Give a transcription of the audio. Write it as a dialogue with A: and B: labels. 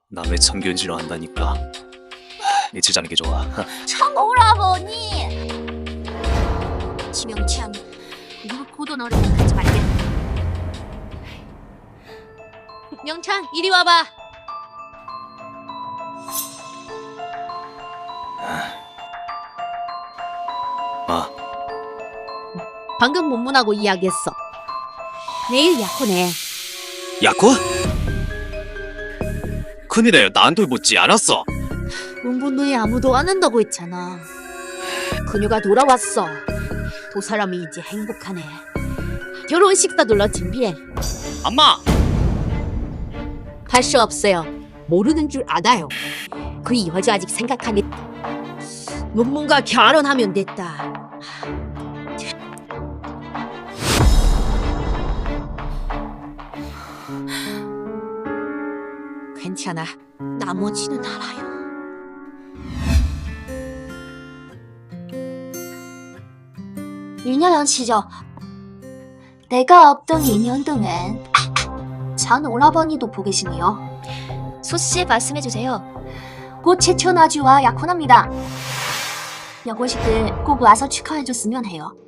A: 남의 참견질을 한다니까. 며칠 자는 게 좋아.
B: 청오라버니! 지명참, 누구 고돈 어리게 하지 말게. 명창, 이리 와봐.
A: 아,
B: 방금 문문하고 이야기했어. 내일 약혼해.
A: 야코? 큰일이에요. 나한테 묻지 않았어.
B: 문분 후에 아무도 안 한다고 했잖아. 그녀가 돌아왔어. 두 사람이 이제 행복하네. 결혼식 사둘러 준비해.
A: 엄마!
B: 할 수 없어요. 모르는 줄 알아요. 그 여자 아직 생각하니 문문과 결혼하면 됐다. 괜찮아. 나머지는 알아요.
C: 윤여연 씨죠. 내가 없던 2년 동안 전 오라버니도 보고 계시네요.
B: 소씨 말씀해주세요.
C: 곧 최초 나주와 약혼합니다. 여고식들 꼭 와서 축하해줬으면 해요.